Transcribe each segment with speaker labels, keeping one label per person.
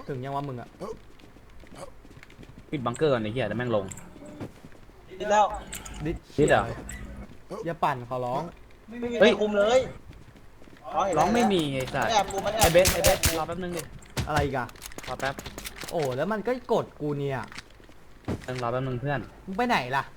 Speaker 1: ถึงยังว่ามึงอะ
Speaker 2: ปิดบังเกอร์ก่อนไอ้เหี้ยแต่แม่งลง
Speaker 3: ดิแล้ว
Speaker 1: ดิ
Speaker 2: ดิดเหรอ
Speaker 1: อย่าปั่นขอร้อง
Speaker 3: ไม่มีใครคุมเลย
Speaker 2: ร้องไม่มีไอ้สัส
Speaker 3: แอบคุมมันแอ
Speaker 2: ไอบ เบสรอแป๊บนึงดิ
Speaker 1: อะไรอีกอะ
Speaker 2: รอแป๊บ
Speaker 1: โอ้แล้วมันก็กดกูเนี่ย
Speaker 2: รอแป๊บนึงเพื่อน
Speaker 1: มึงไปไหนล่ะ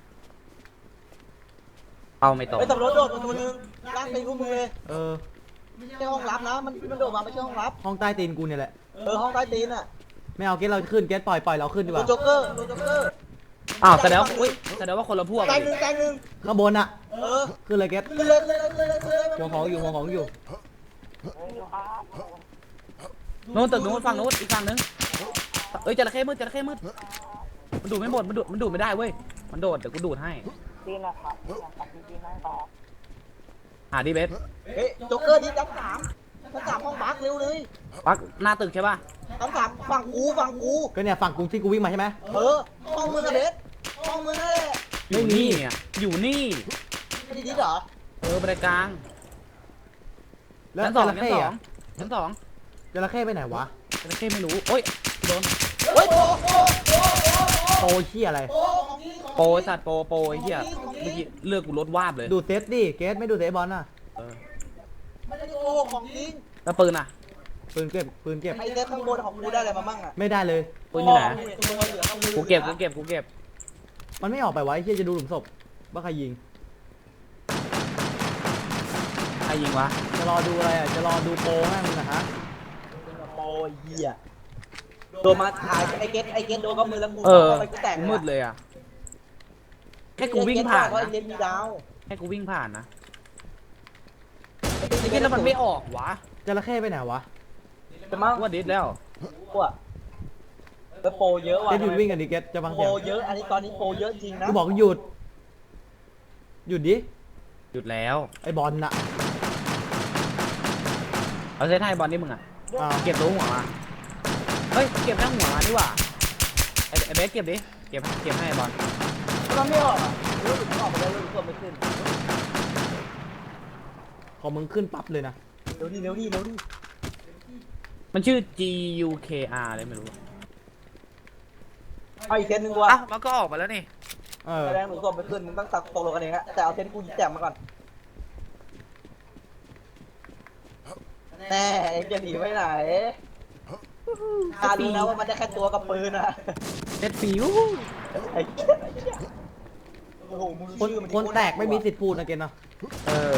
Speaker 2: เอาไม่ตรง
Speaker 3: ไปตำรวจโดดตัวนึงล้างตีกูมือเลย
Speaker 1: เออ
Speaker 3: ไม่ใช่ห้องรับนะมันโดดมาไม่ใช่ห้องรับ
Speaker 1: ห้องใต้ตีนกูเนี่ยแหละ
Speaker 3: ห้องใต้ตีนอ่ะ
Speaker 1: ไม่เอาเกตเราขึ้นเกตปล่อยเราขึ้นดีก
Speaker 3: ตัว
Speaker 1: ว่า
Speaker 3: โจ๊กเกอร์ตัวโจ๊กเกอร์
Speaker 2: อ้าวแสดงว่าอุ้ยแสดงว่าคนละพวก
Speaker 3: แต
Speaker 2: กั
Speaker 3: ง
Speaker 2: น
Speaker 3: หนึ่งแตงหนึ่ง
Speaker 1: ข้างบนอะ ขึ้นเลยเกต
Speaker 3: ขึ้นเลยขึ้นเลยขึ้นเลยขึ้นเลย
Speaker 1: หัวของอยู่หัวของอยู่
Speaker 2: นู้นตึกนู้นฝั่งนู้นอีกฝั่งนึงเอ้ยจระเข้มืดมันดูดไม่หมดมันดูดไม่ได้เว้ยมันโดดเดี๋ยวกูดูดให้
Speaker 4: ดีนะครับอยากตัดดีๆนั่งต่อ
Speaker 2: หาดิเบส
Speaker 3: เฮ้ยโจ๊กเกอร์ที่ชั้นสามห้องบักเร็วเลย
Speaker 2: ปักหน้าตึกใช่ป่ะ
Speaker 3: ชั้นสามฝั่งกู
Speaker 1: ก็เนี่ยฝั่งกูที่กูวิ่งมาใช่ไหม
Speaker 3: ห้องมือกระเด็ดห้องมือนั่นแหละ
Speaker 2: อยู่นี่อ่ะอยู่นี่
Speaker 3: ไม่ได้ดิเหรอ
Speaker 2: บันไดกลาง
Speaker 1: แล้ว
Speaker 2: ชั้น
Speaker 1: จ
Speaker 2: สอง
Speaker 1: ระ
Speaker 2: ชั้น
Speaker 1: เข้
Speaker 2: สอง
Speaker 1: อะ
Speaker 2: ชั้นสอง
Speaker 1: จระเข้ไปไหนวะ
Speaker 2: จระเข้ไม่รู้โอ้ยโดน
Speaker 3: เฮ้ยโอ้
Speaker 1: โตเชี่ยอะไร
Speaker 3: ของนี้ของ
Speaker 2: โปรไอ้สัตว์โปรไอ้เหี้ยเมื่อกี้เลือกกูลดวาบเลย
Speaker 1: ดูดเซตดิเกตไม่ดูดเซตบอลน่ะ
Speaker 2: เออ
Speaker 3: ไม่ได้โกหกของจริง
Speaker 2: แล้วปืนอ่ะ
Speaker 1: ปืนเก็บปืนเก็บ
Speaker 3: ไอ้เด็กข้างบนของกูได้อะไรมามั่งอ่ะ
Speaker 1: ไม่ได้เลย
Speaker 2: ปืนอยู่ไหน
Speaker 3: ตัวเหลือข้างบน
Speaker 2: กูเก็บ
Speaker 1: มันไม่ออกไปไวะไอ้เชี่ยจะดูหลุมศพว่าใครยิง
Speaker 2: ใครยิงวะ
Speaker 1: จะรอดูอะไรอ่ะจะรอดูโปรให้มึงนะฮะ
Speaker 3: โอ้ยเหี้ยโดนมาถ่ายไอ้เกตโดนก็มือแล้วกู
Speaker 2: เออ
Speaker 3: ไปกูแตก
Speaker 2: มืดเลยอ่ะแค่กูวิ่งผ่าน
Speaker 3: ไอ้
Speaker 2: นะ
Speaker 3: เกตมีดาว
Speaker 2: แค่กูวิ่งผ่านนะไอ้เหี้ยแล้วมันไม่ออกวะ
Speaker 1: จระเข้ไปไหนวะ
Speaker 3: จะมั่ง
Speaker 2: ว่าดิสแล้ว
Speaker 3: กูอะแล้วโปรเยอะว่ะ
Speaker 1: เกตหยุดวิ่งกันดิเกตจะฟัง
Speaker 3: โปร
Speaker 1: เสียง
Speaker 3: เยอะอันนี้ตอนนี้โปรเยอะจริงนะ
Speaker 1: กูบอกหยุดหยุดดิ
Speaker 2: หยุดแล้ว
Speaker 1: ไอ้บอลน่ะ
Speaker 2: เอาเซตให้บอลนี่มึงอ่ะ
Speaker 1: อ้าว
Speaker 2: เก็บตัวหัวมาเฮ้ยเก็บทั้งหัวมาดีกว่าไอ้เบสเก็บดิเก็บให้บอล
Speaker 3: มันไม่ออกอ่ะรู้สึกออกไปแล้วรู้สึกไม่ขึ้น
Speaker 1: พอมึงขึ้นปั๊บเลยนะ
Speaker 3: เร็วดิ
Speaker 2: มันชื่อ GUKR เลยไม่รู้
Speaker 3: เอาอีกเซตหนึ่งว่ะ
Speaker 2: อ่ะมันก็ออกมาแล้วนี่
Speaker 1: เออ
Speaker 3: แสดงหนูสอบไม่ขึ้นมึงต้องตักตกลงกันเองฮะแต่เอาเซตกูยิงแจมมาก่อนแน่เอ็งจะหนีไปไหนข้ารู้นะว่ามันได้แค่ตัวกับปืนอะ
Speaker 2: เซตฟิว
Speaker 3: ไอ้โอ้โหมึง
Speaker 1: คน
Speaker 3: ชื่อมัน
Speaker 1: คนแตกไม่มีสิทธิ์พูดนะเกตเนาะ
Speaker 2: เออ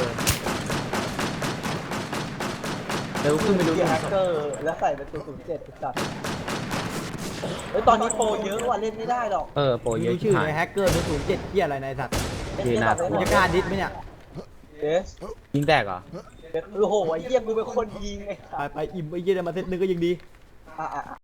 Speaker 2: เดี๋ยวขึ้นไปดู
Speaker 3: เกียร์แฮกเกอร์แล้วใส่เป็นตัว07จัดเฮ้ยตอนนี้โปรเยอะว่ะเล่นไม่ได้หรอก
Speaker 2: โปรเย
Speaker 1: ดู
Speaker 2: อะ
Speaker 1: ชื่อ
Speaker 2: หา
Speaker 1: ใน
Speaker 2: ย
Speaker 1: แฮกเกอร์007เที่ยอะไรในสัตว์
Speaker 2: เยน่ากลัว
Speaker 1: มึงจะกล้าดิสไหมเนี่ย
Speaker 3: เดส
Speaker 2: ยิงแตกเหรอ
Speaker 3: โอ้โหไอ้เหี้ยกูเป็นคนยิงไง
Speaker 1: ไปอิ่มไอ้เยี่ยมาเซตนึงก็ยังดี
Speaker 3: อ่ะ